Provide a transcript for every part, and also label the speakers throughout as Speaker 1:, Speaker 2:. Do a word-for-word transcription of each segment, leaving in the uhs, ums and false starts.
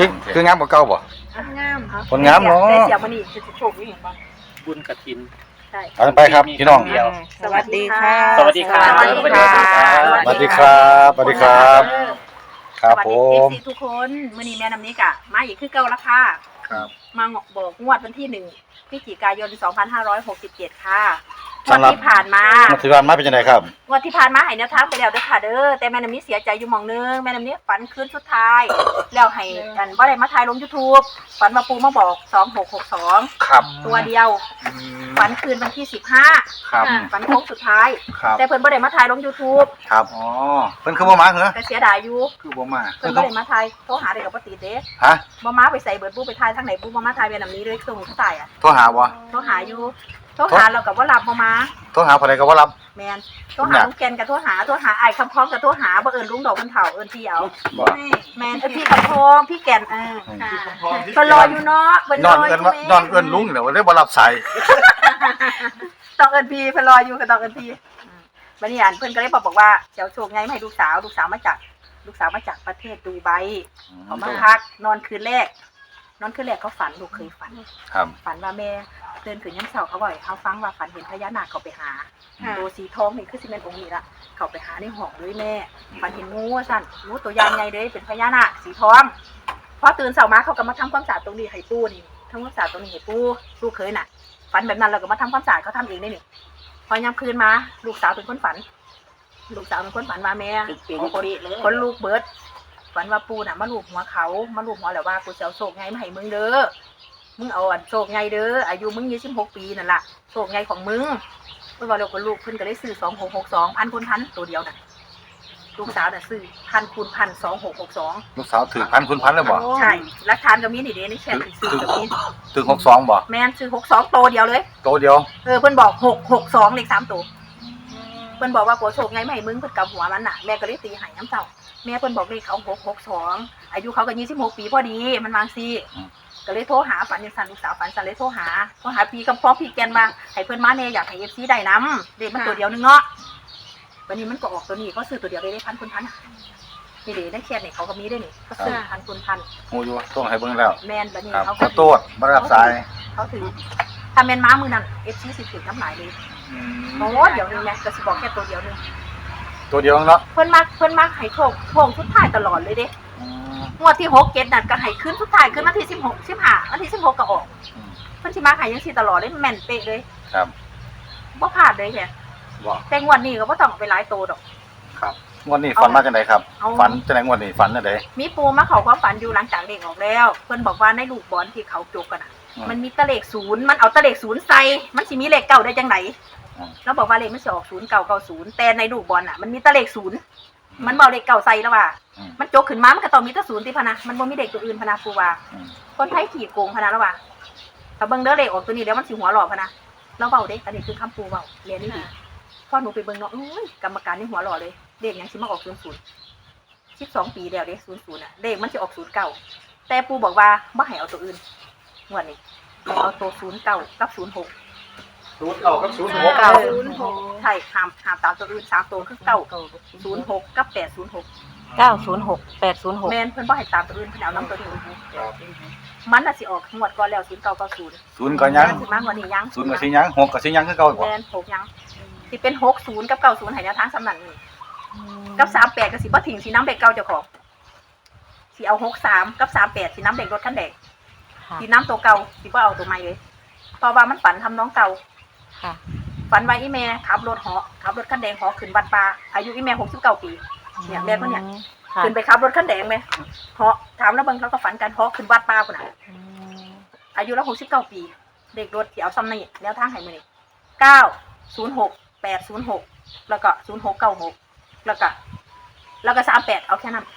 Speaker 1: คือคืองามกว่าเก่าบ่
Speaker 2: งาม
Speaker 1: คนงามเนาะ
Speaker 2: ได้เสียมันนี่คือโชคดีเห็นบ่
Speaker 3: บุญกฐิน
Speaker 2: ใช่
Speaker 1: เอาไปครับพี่น้อง
Speaker 3: เดียว
Speaker 2: สวัสดีค่ะ
Speaker 3: สวัสดีครับ
Speaker 2: สวัสดีค่ะ
Speaker 1: สวัสดีครับสวัสดีครับครับ
Speaker 2: สวัส
Speaker 1: ผ
Speaker 2: ดีเอฟ
Speaker 1: ม
Speaker 2: ซีทุกคนมื้อนี้แม่น้ำนี้กะมาอีกคือเก่าละค่ะ
Speaker 1: ครับ
Speaker 2: มาบอกงวดวันที่หนึ่งพฤศจิกายนสองพันห้าร้อยหกสิบเจ็ดค่ะงวด
Speaker 1: สำหรับ
Speaker 2: ที่ผ่านมา
Speaker 1: มาถือว่ามาเป็นยังไงครับ
Speaker 2: งวดที่ผ่านมาให้แนวทางไปแล้วเด้อค่ะเด้อแต่แม่น้ำนี้เสียใจอยู่หม่องนึงแม่น้ำนี้ฝันคืนสุดท้ายแล้วให้กันบ่ได้มาถ่ายลง YouTube ฝันว่าปู่มาบอกสองหกหกสอง
Speaker 1: ครับ
Speaker 2: ตัวเดียวฝันคืนวันที่สิบห้า
Speaker 1: ครับ
Speaker 2: ฝันโค้งสุดท้าย
Speaker 1: ครับ
Speaker 2: แต่เพิ่นบ่ได้มาถ่ายลง YouTube
Speaker 1: ครับอ๋อเพิ่นคือบ่มาเหรอ
Speaker 2: แต่เสียดายอยู่
Speaker 1: คือบ่มา
Speaker 2: เพิ่นบ่ได้มาถ่ายโทรหาได้กับบ่ติดเด้
Speaker 1: ฮะ
Speaker 2: บ่มาไปใส่เบิดปู่ไปถ่ายทางไหนปู่บ่มาถ่ายแม่น้ำนี้เลยส่งเขาตายอ่ะ
Speaker 1: โทรหาบ่
Speaker 2: โทรหาอยู่โทรหาเราก็บ่รับบ่มา
Speaker 1: โทรหาผู้ใดก็บ่รับ
Speaker 2: แม่นโทรหาลุงแกนก็โทรหาโทรหาอ้ายคำพ้องก็โทรหาบ่เอิ้นลุงดอกมันเฒ่าเอิ้นพี่เอา
Speaker 1: บ่
Speaker 2: แม่นเอิ้นพี่คำพ้องพี่แก่นเออเพิ่นรออยู่เนาะเพิ่น
Speaker 1: น
Speaker 2: ร
Speaker 1: อ
Speaker 2: อน อ
Speaker 1: เอิ้
Speaker 2: ยู่
Speaker 1: นว่า
Speaker 2: แม่
Speaker 1: นอนเอิ้นลุงเนี่ยว่าได้บ่รับสาย
Speaker 2: ต้องเอิ้นพี่เพิ่นรออยู่ก็ต้องเอิ้นพี่อืมบัดนี้อันเพิ่นก็เลยบอกบอกว่าเดี๋ยวโชคไงมาให้ลูกสาวลูกสาวมาจากลูกสาวมาจากประเทศดูไบเขามาพักนอนคืนแรก นอนคืนแรกเขาฝันลูกเคยฝัน
Speaker 1: ครับ
Speaker 2: ฝันว่าแม่เดินขึ้นย่ำเสาเขาบ่อยเขาฟังว่าฝันเห็นพญานาคเขาไปหาตัวสีทองนี่คือสิเป็นองค์นี้ละเขาไปหาในห้องด้วยแม่ฝันเห็นงูว่าสั่นงูตัวยางไงเลยเป็นพญานาคสีทองพอตื่นเสามาเขาก็มาทำความสะอาดตรงนี้ให้ปูนี่ทำความสะอาดตรงนี้ให้ปูลูกเคยน่ะฝันแบบนั้นเราก็มาทำความสะอาดเขาทำเองได้นี่พอยามคืนมาลูกสาวเป็นคนฝัน ลูกสาวเป็นคนฝันว่าแม่คนคนลูกเบิดฝันว่าปูน่ะมาลูบหัวเขามาลูบหัวแล้วว่ากูจะเอาโศกไงมาให้มึงเด้อมึงเอาอันโศกไงเด้ออายุมึงยี่สิบหกปีนั่นล่ะโศกไงของมึงเพิ่นว่าเราคนลูกเพิ่นก็ได้ซื้อสองหกหกสองพันคูณพันตัวเดียวน่ะลูกสาวน่ะซื้อพันคูณพันสองหกหกสอง
Speaker 1: ลูกสาวถือพันคุณพันเลยบ่
Speaker 2: ใช่รักทานก็มีนี่เด้ในแชทซื้อก็มี
Speaker 1: ถึงหกสองบ่
Speaker 2: แม่นซื้อหกสองตัวเดียวเลย
Speaker 1: โตเดียว
Speaker 2: เออเพิ่นบอกหกหกสองเลขสามตัวเพิ่นบอกว่ากูโศกไงมาให้มึงเพิ่นกับหัวมันน่ะแม่ก็เลยตีให้น้ำเจ้าแม่เพิ่นบอกเลขเขาหกหกสองอายุเขาก็ยี่สิบหกปีพอดีมันวางซีก็เลยโทรหาฝันยังสันลูกสาวฝันสันเลยโทรหาโทรหาพี่กำพร้องพี่แกนมาให้เพิ่นมาเน่อยากให้เอฟซีได้น้ำเด็กมันตัวเดียวนึงเนาะวันนี้มันก็ออกตัวนี้ก็ซื้อตัวเดียวได้ได้พันคุณพันนี่เด็กได้แค่นี่เขาก็มีได้นี่ก็ซื้อพันคุณพัน
Speaker 1: ฮู้อยู่ต้องให้เบิ่งแล้ว
Speaker 2: แมนบันนี้
Speaker 1: ครับ
Speaker 2: เขา
Speaker 1: ขอโทษบ่รับสาย
Speaker 2: เขาถือถ้าแมนม้ามือนั่นเอฟซีสิถือน้ำหลายเลยโอ้เดี๋ยวนึงไงก็สิบอกแค่ตัวเดียวนึง
Speaker 1: ตัวเดียวเนาะ
Speaker 2: เพิ่นมักเพิ่นมักให้โชคโชคทุกท้ายตลอดเลยเด้งวดที่หกเจ็ดนั่นก็ให้ขึ้นทุกท้ายขึ้นวันที่สิบหกสิบห้าวันที่สิบหกก็ออกเพิ่นสิมาให้ยังสิตลอดเลยแม่นเป๊ะเลย
Speaker 1: ครับ
Speaker 2: บ่พลาดเลยแค่
Speaker 1: บ่
Speaker 2: แต่งวดนี้ก็บ่ต้องเอาไปหลายโตดอก
Speaker 1: ครับงวดนี้ฝันมาจังไดครับ
Speaker 2: เอา
Speaker 1: ฝันจังได๋งวดนี้ฝันจังได๋
Speaker 2: มีปูมาเข้าความฝันอยู่หลังจากเด็กออกแล้วเพิ่นบอกว่าในลูกบอลที่เขาจกกันน่ะ มันมีตะเลขศูนย์มันเอาตะเลขศูนย์ใส่มันสิมีเลขเก้าได้จังไดแล้วบอกว่าเลขมันสิออกศูนย์เก้าเก้าศูนย์แต่ในลูกบอลน่ะมันมีตะเลขศูนย์มันบ่เอาเลขเก้าใส่แล้วว่ามันจกขึ้นมามันก็ต้องมีแตะศูนย์ติพะนะมันบ่มีเลขตัวอื่นพะนะปูว่าคนไทยขี้โกงพะนะแล้วว่าถ้าเบิ่งเด้อเลขออกตัวนี้แล้วมันสิหัวหลอกพะนะเราเว้าเด้อันนี้คือคำปูเว้าเรียนนี่ดีพอหนูไปเบิ่งเนาะอุ้ยกรรมการนี่หัวหลอกเลยเลขหยังสิมาออกศูนย์ศูนย์สิบสองปีแล้วเด้ศูนย์ศูนย์น่ะเลขมันสิออกศูนย์เก้าแต่ปูบอกว่าบ่ให้เอาตัวอื่นงวดนี้ให้เอาตัวศูนย์เก้ากับศูนย์หก
Speaker 3: ศูนย์เก้ากับศูนย์หก
Speaker 2: เก้าศูนย์หกใช่ห้ามห้ามตามตัวอื่นสามตัวคือเก้าศูนย์หกกับแปดศูนย์หก
Speaker 4: เก้าศูนย์หกแปดศูนย์หก
Speaker 2: แมนเพิ่นบ่ให้ตามตัวอื่นเพิ่นเอาน้ำตัวนี้มันน่ะสิออกงวดก่อนแล้วศูนย์เก้าเก้าศูนย์
Speaker 1: ศูนย์ก็ยัง
Speaker 2: สิมากกว่านี้ยัง
Speaker 1: ศูนย์ก็สิยังหกก็สิยังคือเก่าอีก
Speaker 2: แม
Speaker 1: บ่
Speaker 2: นหกยังสิเป็นหกศูนย์กับเก้าศูนย์ให้แนวทางสำนักนี่กับสามแปดก็สิบ่ทิ้งสิน้ำเด็กเก่าเจ้าของสิเอาหกสามกับสามแปดสิน้ำเด็กรถคันแดงสิน้ำตัวเก่าสิบ่เอาตัวใหม่เลยเพราะว่ามันฝันทำน้องเก่า
Speaker 4: ค่ะ
Speaker 2: ฝันว่าอีแม่ขับรถเหาะขับรถคันแดงเหาะขึ้นวัดป่าอายุอีแม่หกสิบเก้าปีเนี่ยแม่คนเนี่ย
Speaker 4: ค่ะ
Speaker 2: ขึ้นไปขับรถคันแดงไหมเหาะถามแล้วเบิ่งเขาก็ฝันกันเหาะขึ้นวัดป่าคนน่ะ
Speaker 4: อืม
Speaker 2: อายุแล้วหกสิบเก้าปีเด็กรถที่เอาซ้ำนี่แนวทางให้มื้อนี้เก้าศูนย์หกแปดศูนย์หกแล้วก็ศูนย์หกเก้าหกแล้วก็แล้วก็สามแปดเอาแค่นั้น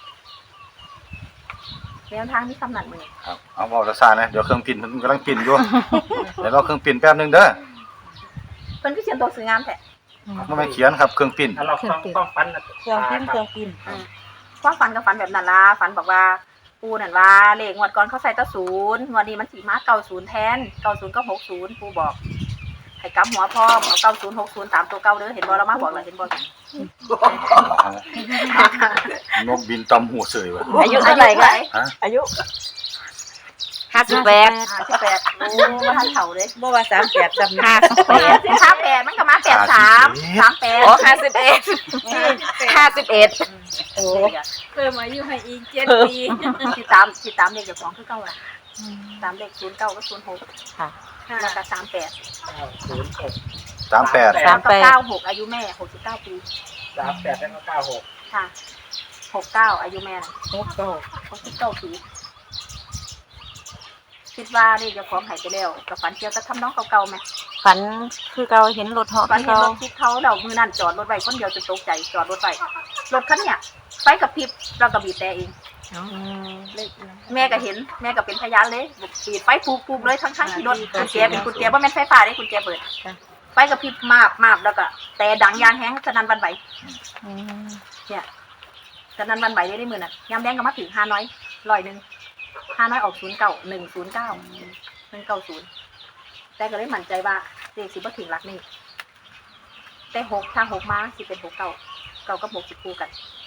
Speaker 2: แนวทางที่ซ้ำนั่นมื้อนี้
Speaker 1: ครับเอาเว้าซะๆนะเดี๋ยวเครื่องพิมพ์มันกำลังพิมพ์อยู่ เดี๋ยวรอเครื่องพิมพ์แป๊บนึงเด้อ
Speaker 2: เพิ่นก็เขียนตัวสวยงามแท้
Speaker 1: บ่แม่นเขียนครับเครื่องพิมพ์
Speaker 3: ถ้าเราต้องต้องฟันนะ
Speaker 4: เครื่องพิมพ์เครื่องพิมพ์
Speaker 2: ความฝันกับฝันแบบนั้นล่ะฝันบอกว่าปูนั่นว่าเลขงวดก่อนเขาใส่ตะศูนย์งวดนี้มันสีมาเก้าศูนย์แทนเก้าศูนย์ก็หกศูนย์ปูบอกให้กำหัวพร้อมเอาเก้าศูนย์หกศูนย์ตามตัวเก่าเด้อเห็นบ่เรามาบอกแล้วเห็นบ่
Speaker 1: นกบินตำหัวเสยวะ
Speaker 4: อายุเท่าไหร่คะ
Speaker 1: ฮะ
Speaker 4: อายุห้าสิบแปด
Speaker 2: ห้าสิบแปดโอ้มาทันเฒ่าเด้
Speaker 4: บ่ว่าสามแปดสามห้าสิบแปด
Speaker 2: สามแปดมันก็มาแปดสามสามแปด
Speaker 4: อ๋อห้าสิบเอ็ดห้าสิบเอ็ดโอ้
Speaker 5: เพิ่มอายุให้อีกเจ็ดปี
Speaker 2: สิตามสิตามเลขเจ้าของคือเก่าล่ะตามเลขศูนย์เก้าก็ศูนย์หก
Speaker 4: ค่ะ
Speaker 2: แล้วก็สามแปด
Speaker 3: ศูนย์หก
Speaker 1: สามแปด
Speaker 2: แล้วก็เก้าหกอายุแม่หกสิบเก้าปี
Speaker 3: สามแปดแล้วก็เก้าหก
Speaker 2: ค่ะหกเก้าอายุแม่น่ะ
Speaker 4: โอ้โห
Speaker 2: หกสิบเก้าปีคิดว่านี่เจ้าของหายไปแล้วกับฝันเกี่ยวกับทำน้องเก่าๆไหม
Speaker 4: ฝันคือเราเห็นรถเหาะ
Speaker 2: ฝัน
Speaker 4: ที่
Speaker 2: เห็น
Speaker 4: เรา
Speaker 2: รถที่เขาเรามือนั่นจอดรถไว้คนเดียวจนตกใจจอดรถไว้รถคันเนี้ยไฟกับพริบเราก็บีบแต่เอง
Speaker 4: อืม
Speaker 2: แม่ก็เห็นแม่ก็เป็นพยานเลยบีบไฟปูบๆเลยทั้งๆที่รถกุญแจเป็นกุญแจว่าแม่นไฟฟ้าได้กุญแจเปิดไฟกับพริบมาบมาบแล้วก็แต่ดังยางแห้งสนั่นหวันไหว
Speaker 4: อืม
Speaker 2: เนี่ยสนั่นหวันไหวได้ได้มือน่ะยามแดงก็มาถึงห้าน้อยร้อยหนึ่งห้าน้อยออกศูนย์เก้าหนึ่งศูนย์เก้าหนึ่งเก้าศูนย์แต่ก็เลยมั่นใจว่าเลขสิบ่ถึงหลักนี่แต่หกถ้าหกมาสิเป็นหกเก้าเก้ากับหกสิบคู่กัน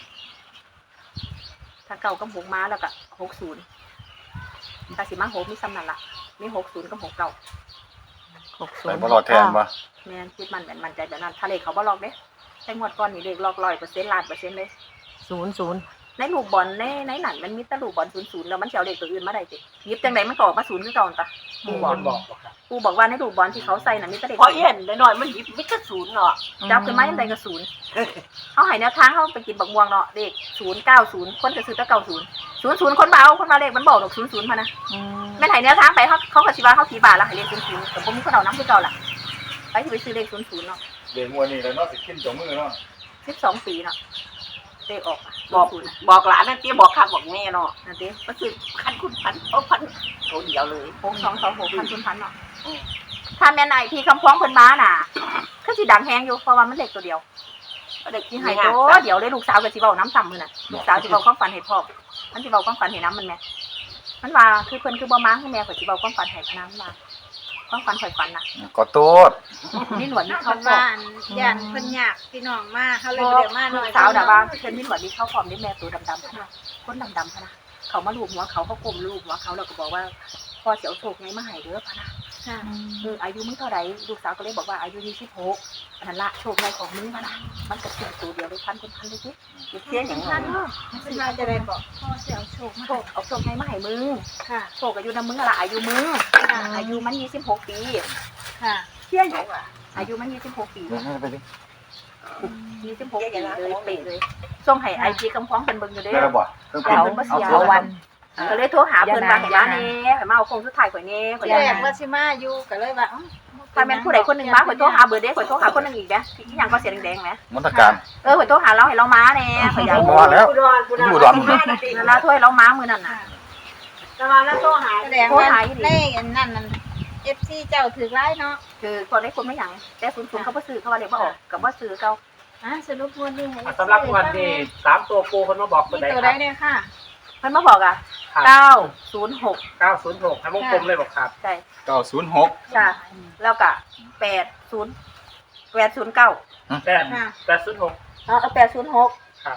Speaker 2: ถ้าเก้ากับหกมาแล้วก็หกศูนย์ถ้าสิมาหกมีซ้ำนั่นละมีหกศูนย์กับหกเก้า
Speaker 4: หกศู
Speaker 1: ไป
Speaker 4: นย์
Speaker 1: บอลอดแทนปะ
Speaker 2: แม่นคิดมันแม่นมั่นใจแบบนั้นถ้าเลขเขาบ่ลอกเด้แต่งวดก่อนนี่เลขลอกร้อยเปอร์เซ็นต์ล้านเปอร์เซ็นต์เลย
Speaker 4: ศูนย์ศูนย์
Speaker 2: ในลูกบอลในในหนังมันมีแต่ลูกบอลศูนย์ศูนย์แล้วมันสิเชียวเลขตัวอื่นมาได้จิหยิบจังไดมันก็ออกมาศูนย์คือเก่าตะ
Speaker 3: ผู้คนบอกบอกครับ
Speaker 2: กูบอกว่าในลูกบอลที่เขาใส่น่ะมีแต่เลข
Speaker 5: พอเห็นหน่อยมันหยิบมิตรศูนย์เนาะ
Speaker 2: จับขึ้นมายังไดก็ศูนย์เขาให้แนวทางเขาไปกินบักม่วงเนาะเลขศูนย์เก้าศูนย์คนก็ซื้อแต่เก้าศูนย์ศูนย์ศูนย์คนเบาคนมาเลขมันบอกดอกศูนย์ศูนย์มานะ
Speaker 4: อืม
Speaker 2: แม่นให้แนวทางไปเขาเขาก็สิว่าเขาขี่บาทแล้วให้เลขศูนย์ศูนย์แต่ผมมีคนเอาน้ำคือเก่าล่ะไปที่ไปซื้อเลขศูนย์ศูนย์เนาะ
Speaker 1: เดี๋ยวมวยนี่แล้วเนาะสิกินจมือเนาะ
Speaker 2: สิบสองปีเนาะเลขออก
Speaker 5: บอก
Speaker 2: ศูนย์
Speaker 5: บอกหลานนั่นเตี้ยบอกข้าบอกแม่เนาะ
Speaker 2: นั่นเด้
Speaker 5: ก็คือพันคุณพันเอาพันเขาเดียวเลย
Speaker 2: หกสองสองหกพันคุณพันเนาะถ้าแม่นไอพี่คำพ้องเพิ่นมาน่ะก็สิดังแฮงอยู่เพราะว่ามันเลขตัวเดียวเด็กที่ให้ตัวเดี๋ยวเลยลูกสาวก็สิเว้าน้ำซ้ำมื้อน่ะลูกสาวสิเว้าความฝันให้พ่อมันสิเว้าความฝันให้น้ำมันแม่มันว่าคือเพิ่นคือบ่มาคือแม่ข่อยสิเว้าความฝันให้พะนันว่าความฝันข่อยฝันน่ะ
Speaker 1: ก็โตด
Speaker 2: นี่หนวดนี่
Speaker 5: เขา
Speaker 2: เขาฟอ
Speaker 5: บ้าม นย่านเพิ่นยากพี่น้องมาเขาเลยเรียกมาหน่
Speaker 2: ลู
Speaker 5: อย
Speaker 2: กสาวน่ะว่าเพิ่นมีหนวดนี่เขาฟอมได้แม่ตัวดำๆพะนะคนดำๆพะนะเขามาลูบหัวเขาเขากลมลูบหัวเขาแล้วก็บอกว่าพ่อสิเอาโชคไงมาให้เด้อพะนะ
Speaker 5: ค่ะ
Speaker 2: เอออายุมึงเท่าไหร่ลูกสาวก็เลยบอกว่าอายุยี่สิบหกอันนั้นละโชคในของมึงพะนะมันก็เป็นตัวเดียวเลยพันคนพันเลยสิเสียอย่างนั้นเนาะ
Speaker 5: เป็นมาจะได้บอกพ่อเสียโชคมา
Speaker 2: โชคเอาโชคไงมาให้มึง
Speaker 5: ค่ะ
Speaker 2: โชคอายุนำมึงอะละอายุมึง
Speaker 5: ค่ะ
Speaker 2: อายุมันยี่สิบหกปี
Speaker 5: ค่ะ
Speaker 2: เชื่ออยู่อายุมันยี่สิบหกปี
Speaker 1: ไปดิ
Speaker 2: ยี่สิบหกปีเลยเป๊ะเลยส่งให้ไอจีคำพ้องเป็นเบิ่งอยู่เด้
Speaker 1: ได้
Speaker 2: อ
Speaker 1: แล้วบ่เครื่อง
Speaker 2: เดี๋
Speaker 1: ปิ
Speaker 2: ยว
Speaker 1: ด
Speaker 2: มันบ่เสีย
Speaker 4: เอาวัน
Speaker 2: ก็เลยโทรหาเพิ่นว่าให้มาแน่ให้มาเอาโคงสุดท้ายข่อยแน่ข่อยอ
Speaker 5: แร
Speaker 2: ยาก
Speaker 5: กว่าสิมาอยู่ก็เลยว่า
Speaker 2: ถ้าแม่นผู้ใดคนหนึงมาข่อยโทรหาเบอร์เด้ข่อยโทรหาคนหนึงอีกเด้ที่หยังก็เสียแดงๆแหม
Speaker 1: มนตการ
Speaker 2: เออข่อยโทรหาเราให้เรามาแน่ข่อยอยาก
Speaker 1: มาแล้ว
Speaker 5: อุดรอุดร
Speaker 1: อยู่ดอน
Speaker 2: นั่นล่ะโทรให้เรามามื้อนั้นน่ะ
Speaker 5: แต่ว่าแล้วโทรหาแสดงว่าเลขอันนั้นนั่น เอฟ ซี เจ้าถือร้ายเนาะ
Speaker 2: คือคนได้คนไม่หยังแต่ศูนย์ศูนย์เขาบ่ซื้อเขาว่าเรียกว่าออกกับบ่ซื้อเขา
Speaker 5: อ่ะสรุปงวดนี้ให้
Speaker 3: สำหรับวันนี้สามตัวปูคนมาบอกตัว
Speaker 5: มี
Speaker 3: ใด
Speaker 5: ตัว
Speaker 3: ค
Speaker 5: ใด
Speaker 3: รับ
Speaker 5: เนี่ยค่ะ
Speaker 2: เพิ่นมาบอกอ่ะ
Speaker 3: ครับ
Speaker 2: เก้าศูนย์หก
Speaker 3: เก้าศูนย์หกให้วงกลมเลยบอกครับ
Speaker 2: ใช่
Speaker 1: เก้าศูนย์หก
Speaker 2: จ้ะแล้วก็แปดศูนย์แปดศูนย์เก้า
Speaker 3: แปด
Speaker 5: ค่ะ
Speaker 3: แปดศูนย์หก
Speaker 2: เออแปดศูนย์หก
Speaker 3: ครับ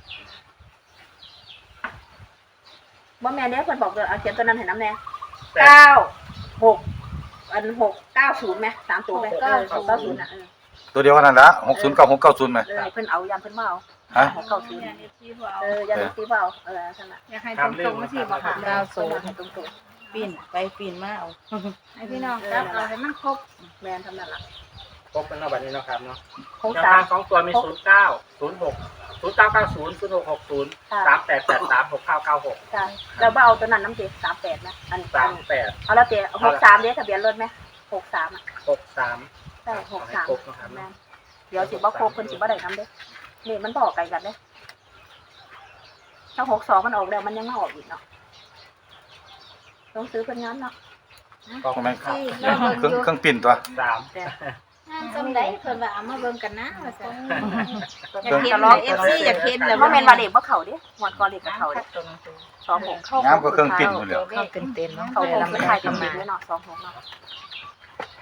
Speaker 2: บ่แม่นเด้เพิ่นบอกเด้อเอาเขียนตัวนั้นให้น้ำแน่
Speaker 3: แปด
Speaker 2: เก้าหกอันหกเก้าศูนย์ไหมสามตัวไหมเก้าศูนย์เก้าศูนย์อ่ะเออ
Speaker 1: ตัวเดียวกันนั่นละหกศูนย์เก้าหกเก้าศูนย์ไหม
Speaker 2: เออเพิ่นเอายันเพิ่นมาเอา
Speaker 1: ฮะ
Speaker 2: หกเก้าศูนย์
Speaker 5: เอฟซีพวกเอา
Speaker 2: เออยันตีเปล่าเออนั่นน่ะ
Speaker 5: อยากให้ตรงๆมาสิบอกค่ะ
Speaker 2: เก้าศูนย์ให้ตรง
Speaker 4: ปีนไปปีนมาเอา
Speaker 5: ให้พี่น้องครับเอาให้มันครบ
Speaker 2: ๆแม่นทำนั่นล่ะ
Speaker 3: ครบเป็นเอาแบบนี้เนาะครับเนาะ
Speaker 2: หก
Speaker 3: แนว
Speaker 2: สา
Speaker 3: ทาม งสองตัวมีศูนย์เก้าศูนย์หกศูนย์เก้าเก้าศูนย์ศูนย์หกหกศูนย์สามแปดแปดสามหกเก้าเก้าหก
Speaker 2: ใช่แล้วบ่เอาตัวนั้นน้ำเจ็ดสามแปดนะอัน
Speaker 3: สามแปด
Speaker 2: เอาแล้วเจ็ดหกสามเด้ทะเบียนรถไหมหกสามอ่ะ
Speaker 3: หกสาม
Speaker 2: ใช่หกสาม
Speaker 3: ครบนะครับ
Speaker 2: แม่นเดี๋ยวสิบ่ครบเพิ่นสิบ่ได้ทำเด้นี่มันบอกไกลกันเด้ถ้าหกสองมันออกแล้วมันยังมาออกอีกเนาะต้องซื้อเพิ่นงั้นเนาะ
Speaker 1: ก็ไม่ครับเครื่องเครื่องปิ่นตัว
Speaker 3: สาม
Speaker 2: แต่
Speaker 5: จำได้เพิ่นว่าเอามาเบิ่งกันนะว่าซั่นอ
Speaker 2: เพิ่
Speaker 5: ยาก
Speaker 2: น
Speaker 5: เห็น
Speaker 2: จะ
Speaker 5: เล
Speaker 2: ลอย
Speaker 5: เอฟซีอยากเห็นแล้ว
Speaker 2: บ่แม่นว่าเด็กบ่เข้าเด้งวดก่อนเด็กก็เข้าเด้สองหกเข้า
Speaker 1: น้ำก็เครื่องปิ่นหมดแล้ว
Speaker 4: เข้าเต็มเต็มๆเนาะ
Speaker 2: เขาคง
Speaker 4: เรา
Speaker 2: สุ
Speaker 4: ไม่
Speaker 2: ด
Speaker 4: ได้
Speaker 2: ท้ายกับ
Speaker 4: ทำ
Speaker 2: ปิ
Speaker 4: มา
Speaker 2: ดไว้เนาะสองหกเนาะ
Speaker 5: เอ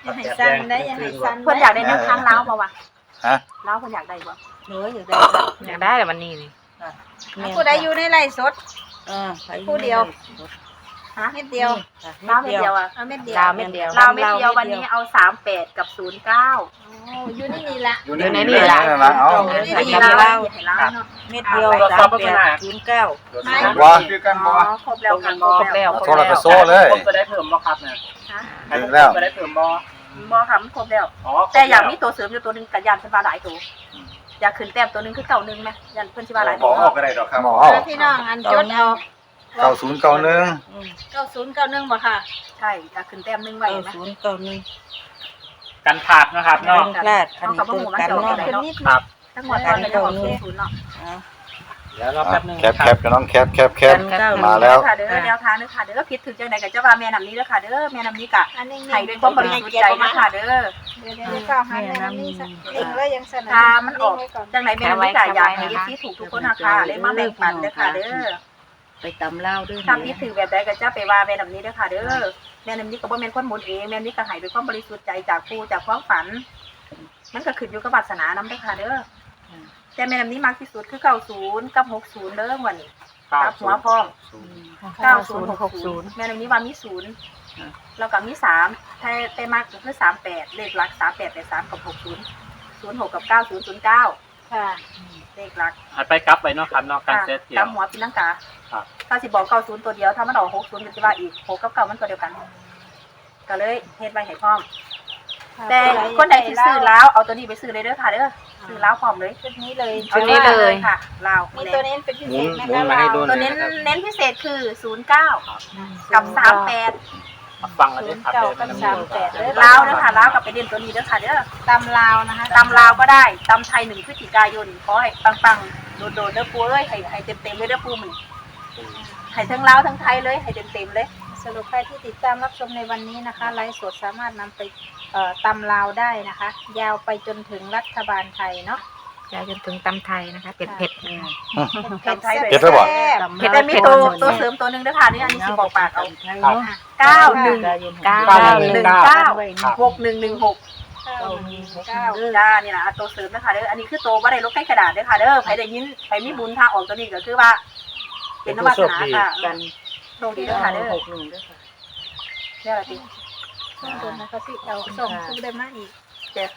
Speaker 5: อย่าให้สั้นได้อย่าให้สั้น
Speaker 2: เพิ่นอยากได้แนวทางเล้าบ่วะ
Speaker 1: ฮะ
Speaker 2: เล้าเพิ่นอยากได้บ่
Speaker 4: หนูอยากได้อยากได้แต่วันนี้นี่
Speaker 5: ผู้ใดอยู่ในไร่สด
Speaker 4: เออ
Speaker 5: ผู้เดียว
Speaker 2: ฮะ
Speaker 5: เม็ดเดียว
Speaker 2: เล้าเม็ดเดียวอ่ะ
Speaker 5: เอาเม็ดเดียว
Speaker 4: ดาวเม็ดเดียว
Speaker 2: เล้าเม็ดเดียววันนี้เอาสามแปดกับศูนย์เก้า
Speaker 5: โอ้อยู่ในนี่ละ
Speaker 1: อยู่ในนี่ละเอา
Speaker 5: อยู่ใน
Speaker 2: ให้
Speaker 5: นี่
Speaker 2: เล้า
Speaker 5: ละ
Speaker 2: ให้เล้าเนาะ
Speaker 4: เม็ดเดียวสามแปดศูนย์เก้า
Speaker 1: ว่า
Speaker 2: อ๋อครบแล้วค่ะครบแล้ว
Speaker 1: โทรไปโซ่เลย
Speaker 3: ผมจะได้เพิ่มบ่ครับเนี่ย
Speaker 2: ฮะ
Speaker 1: ถึงแล้ว
Speaker 3: จะได้เพิ่มบ่
Speaker 2: บ่ค่ะมันครบแล้ว
Speaker 3: อ๋อ
Speaker 2: แต่อยากมีตัวเสริมอยู่ตัวหนึงกับยานเพิ่นว่าหลายตัวอยากขึ้นแต้มตัวหนึงคือเก่าหนึงไหมยันเพิ่นสิว่าหลาย
Speaker 6: บ
Speaker 2: ตั
Speaker 6: อ
Speaker 2: ว
Speaker 6: กเอาก็ได้ดอกครับ
Speaker 1: หมอเอา
Speaker 5: พี่น้องอันจดเอา
Speaker 1: เก้าศูนย์เก้าหนึ่ง
Speaker 5: เก้าศูนย์เก้าหนึ่งบ่ค่ะ
Speaker 2: ใช่อยากขึ้นแต้มหนึงไว้ไหม
Speaker 4: ศูนย์เก้าหนึ่ง
Speaker 3: กันขาดนะครับเนาะ
Speaker 4: พลาดอันนี้ตัวกันเนาะ
Speaker 5: ขึ้นนิด
Speaker 3: ค
Speaker 5: นึ
Speaker 3: รั
Speaker 5: ง
Speaker 3: บ
Speaker 2: ทั้งหมดตอนนี้จะออกศูนย์ศูนย์เนาะ
Speaker 3: เดี๋ยวรอแป๊บนึง
Speaker 1: แคปแคปกับน้องแคปแคปแคป
Speaker 4: กัน
Speaker 1: มาแล้ว
Speaker 2: ค่ะเด้อแนวทางเด้อค่ะเด้อผิดถึงจังไดก็จะว่าแม่นำนี้เด้อค่ะเด้อแม่นำนี้กะ
Speaker 5: อันนี้
Speaker 2: ให้ด้วยความบริสุทธิ์ใจนะคะเด้อ
Speaker 5: เดี๋ยวเดี๋ยวเก้าหันเลยนะนี่สักเองแล้วยังสน
Speaker 2: ถ้ามันออกจังไหนแม่นำนี้กะอยากให้ เอฟ ซี ถูกทุกคนนะคะเลยมาแบ่งปันเด้อค่ะเด้อ
Speaker 4: ไปตำเล่าด้วย
Speaker 2: ถ้าผิดถึงแบบใดก็จะไปว่าแม่นำนี้เด้อค่ะเด้อแม่นำนี้ก็บ่แม่นคนหมุนเองแม่นำนี้ก็ให้ด้วยความบริสุทธิ์ใจจากผู้จากความฝัน มันก็ขึ้นอยู่กับวาสนานำเด้อค่ะเด้อแต่แม่นำนี้มากที่สุดคือเก้าศูนย์กับหกศูนย์เด้อวันนี้กับหัวพร้อม เก้าศูนย์หกศูนย์แม่นำนี้ว่ามีศูนย์แล้วก็มีสามถ้าไปมากก็คือสามแปดเลขหลักสามแปดแปดสามกับหกศูนย์ศูนย์หกกับเก้าศูนย์ศูนย์เก้า
Speaker 5: ค่ะ
Speaker 2: เลขหลัก
Speaker 3: อัดไปกลับไปเนาะครับเนาะการ
Speaker 2: ค่ะ
Speaker 3: เซตเดีย
Speaker 2: กั
Speaker 3: ว
Speaker 2: บหัวปีนังกา
Speaker 3: ครับ
Speaker 2: ถ้าสิบอกเก้าศูนย์ตัวเดียวถ้ามันออกหกศูนย์ก็จะว่าอีกหกกับเก้ามันตัวเดียวกัน ก็เลยเฮ็ดไว้ให้พร้อม แต่คนใดที่ซื้อแล้วเอาตัวนี้ไปซื้อเลยเด้อค่ะเด้อซื้อแล้วพร้อมเลย
Speaker 5: ชุดนี้เลย
Speaker 2: เอานี้เลยค่ะลาว
Speaker 5: มีตัวเน้นเป็นพิเศษไหม
Speaker 6: หมุ
Speaker 5: คะ
Speaker 6: นมาให้ดู
Speaker 2: ตัวเน้นเน้นพิเศษคือศูนย์เก้ากับสามแปด
Speaker 3: ฟังกันด้วยครับ
Speaker 5: เก้า
Speaker 3: เดี๋ยว
Speaker 5: กับ
Speaker 3: มัน
Speaker 5: สามแปดเลย
Speaker 2: ลาวเด้อค่ะลาวกับไปเด่นตัวนี้เด้อค่ะเด้อ
Speaker 5: ตำลาวนะคะ
Speaker 2: ตำลาวก็ได้ตำไทยหนึ่งพฤศจิกายนขอให้ปังๆโดดๆเด้อปูเอ้ยให้ให้เต็มๆเลยเด้อปูมึงให้ทั้งลาวทั้งไทยเลยให้เต็มๆเลย
Speaker 5: สรุปใครที่ติดตามรับชมในวันนี้นะคะไลฟ์สดสามารถนำไปเอ่อตำลาวได้นะคะ ยาวไปจนถึงรัฐบาลไทยเนาะ
Speaker 4: ยาวจนถึงตำไทยนะคะเผ็ดเผ็ด
Speaker 5: เผ็ด
Speaker 2: ตำไทย
Speaker 5: แซ่บ
Speaker 1: เผ็ดด้วยบ่
Speaker 5: แซ่บ
Speaker 2: เห็นแต่มีตัวตัวเสริมตัวหนึ่งเด้อค่ะนี่อันนี้สิบอกปากเอา
Speaker 3: ครับ
Speaker 2: เก้าหนึ่ง
Speaker 4: เก้า
Speaker 2: หนึ่งเก้าหกหนึ่งหนึ่งหก
Speaker 5: เก้าหนึ่งเก้า
Speaker 2: จ้านี่นะเอาตัวเสริมนะคะเด้ออันนี้คือตัวบ่ได้ลบใกล้กระดาษเด้อค่ะเด้อใครได้ยินใครมีบุญทางออกตัวนี้ก็คือว่า เป็นนวัตนาค่ะ
Speaker 4: กัน
Speaker 2: โชคดีเด้อค่ะเด้อ
Speaker 4: หกหนึ่งด้วยค่ะ
Speaker 2: เด้อติ
Speaker 5: ส่งตัวนะคะสิเอาส่งคือได้มาอีก
Speaker 2: เด้อ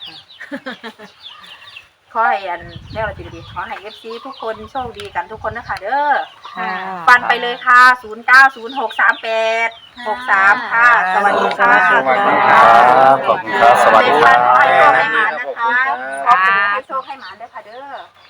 Speaker 2: ขอให้อันเรียกว่าติดีขอให้ เอฟ ซี ทุกคนโชคดีกันทุกคนนะคะเด้อ
Speaker 4: ค่ะ
Speaker 2: ฟันไปเลยค่ะศูนย์เก้าศูนย์หกสามแปดหกสามค่ะสวัสดีค่ะ
Speaker 1: สวัสดีครับขอบคุณครับสวัสดีครับ
Speaker 2: ขอให้โชคให้หมานนะคะขอบคุณให้โชคให้หมานด้วยค่ะเด้อ